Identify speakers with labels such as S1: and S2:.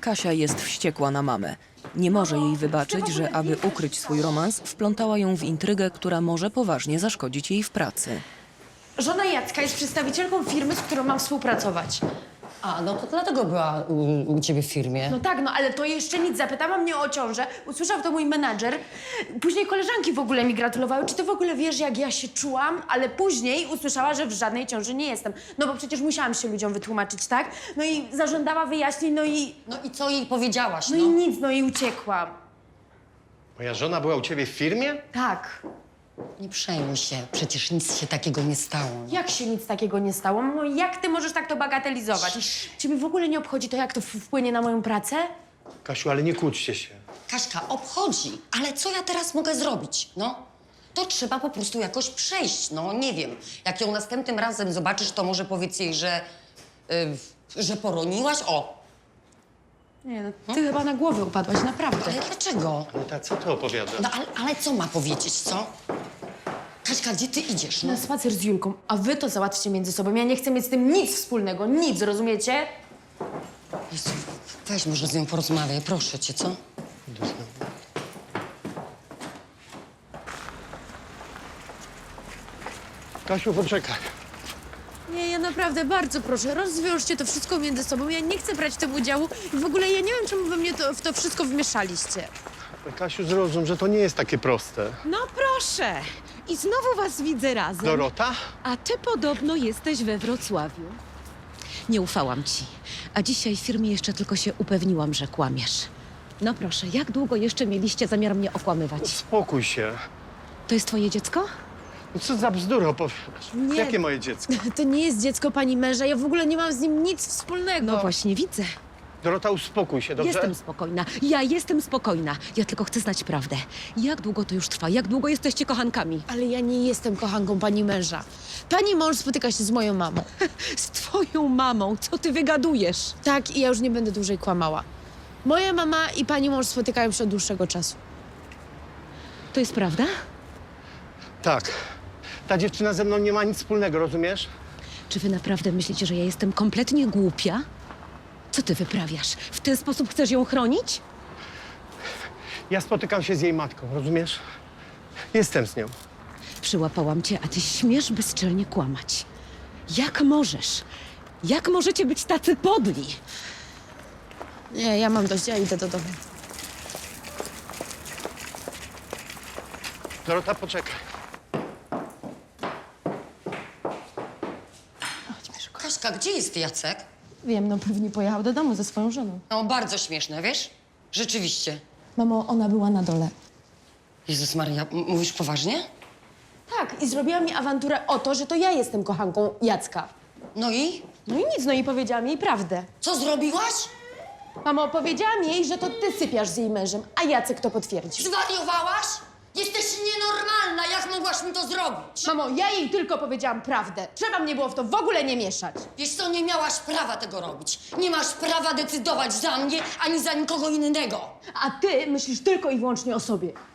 S1: Kasia jest wściekła na mamę. Nie może jej wybaczyć, że aby ukryć swój romans, wplątała ją w intrygę, która może poważnie zaszkodzić jej w pracy.
S2: Żona Jacka jest przedstawicielką firmy, z którą mam współpracować.
S3: A, no to dlatego była u ciebie w firmie.
S2: No tak, no ale to jeszcze nic. Zapytała mnie o ciążę, usłyszał to mój menadżer. Później koleżanki w ogóle mi gratulowały. Czy ty w ogóle wiesz, jak ja się czułam? Ale później usłyszała, że w żadnej ciąży nie jestem. No bo przecież musiałam się ludziom wytłumaczyć, tak? No i zażądała wyjaśnień,
S3: No i co jej powiedziałaś,
S2: no i nic, no i uciekłam.
S4: Moja żona była u ciebie w firmie?
S2: Tak.
S3: Nie przejmuj się, przecież nic się takiego nie stało.
S2: Jak się nic takiego nie stało? No jak ty możesz tak to bagatelizować? Ciebie w ogóle nie obchodzi to, jak to wpłynie na moją pracę?
S4: Kasiu, ale nie kłóćcie się.
S3: Kaśka, obchodzi, ale co ja teraz mogę zrobić, no? To trzeba po prostu jakoś przejść, no nie wiem. Jak ją następnym razem zobaczysz, to może powiedz jej, że poroniłaś, o.
S2: Nie, no ty chyba na głowę upadłaś, naprawdę.
S3: Ale dlaczego?
S4: Aneta, co ty opowiadasz?
S3: No ale co ma powiedzieć, co? Kaśka, gdzie ty idziesz, no?
S2: Na spacer z Julką, a wy to załatwcie między sobą. Ja nie chcę mieć z tym nic wspólnego, nic, rozumiecie?
S3: Jezu, weź może z nią porozmawiaj, proszę cię, co?
S4: Idę znowu. Kasiu, poczekaj.
S2: Nie, ja naprawdę bardzo proszę, rozwiążcie to wszystko między sobą. Ja nie chcę brać w tym udziału i w ogóle ja nie wiem, czemu wy mnie w to wszystko wmieszaliście.
S4: Kasiu, zrozum, że to nie jest takie proste.
S5: No proszę! I znowu was widzę razem.
S4: Dorota?
S5: A ty podobno jesteś we Wrocławiu. Nie ufałam ci. A dzisiaj w firmie jeszcze tylko się upewniłam, że kłamiesz. No proszę, jak długo jeszcze mieliście zamiar mnie okłamywać?
S4: Spokój się.
S5: To jest twoje dziecko?
S4: No co za bzdury opowiadasz?
S2: Nie.
S4: Jakie moje dziecko?
S2: To nie jest dziecko pani męża, ja w ogóle nie mam z nim nic wspólnego.
S5: No właśnie, widzę.
S4: Dorota, uspokój się, dobrze?
S5: Jestem spokojna. Ja jestem spokojna. Ja tylko chcę znać prawdę. Jak długo to już trwa? Jak długo jesteście kochankami?
S2: Ale ja nie jestem kochanką pani męża. Pani mąż spotyka się z moją mamą.
S5: Z twoją mamą. Co ty wygadujesz?
S2: Tak, i ja już nie będę dłużej kłamała. Moja mama i pani mąż spotykają się od dłuższego czasu.
S5: To jest prawda?
S4: Tak. Ta dziewczyna ze mną nie ma nic wspólnego, rozumiesz?
S5: Czy wy naprawdę myślicie, że ja jestem kompletnie głupia? Co ty wyprawiasz? W ten sposób chcesz ją chronić?
S4: Ja spotykam się z jej matką, rozumiesz? Jestem z nią.
S5: Przyłapałam cię, a ty śmiesz bezczelnie kłamać. Jak możesz? Jak możecie być tacy podli?
S2: Nie, ja mam dość, ja idę do domu.
S4: Dorota, poczekaj.
S3: Kaśka, gdzie jest Jacek?
S2: Wiem, no pewnie pojechał do domu ze swoją żoną.
S3: No, bardzo śmieszne, wiesz? Rzeczywiście.
S2: Mamo, ona była na dole.
S3: Jezus Maria, mówisz poważnie?
S2: Tak, i zrobiła mi awanturę o to, że to ja jestem kochanką Jacka.
S3: No i?
S2: No i nic, no i powiedziałam jej prawdę.
S3: Co zrobiłaś?
S2: Mamo, powiedziałam jej, że to ty sypiasz z jej mężem, a Jacek to potwierdził.
S3: Zwariowałaś? Jesteś nienormalna, jak mogłaś mi to zrobić?
S2: Mamo, ja jej tylko powiedziałam prawdę. Trzeba mnie było w to w ogóle nie mieszać.
S3: Wiesz co, nie miałaś prawa tego robić. Nie masz prawa decydować za mnie, ani za nikogo innego.
S2: A ty myślisz tylko i wyłącznie o sobie.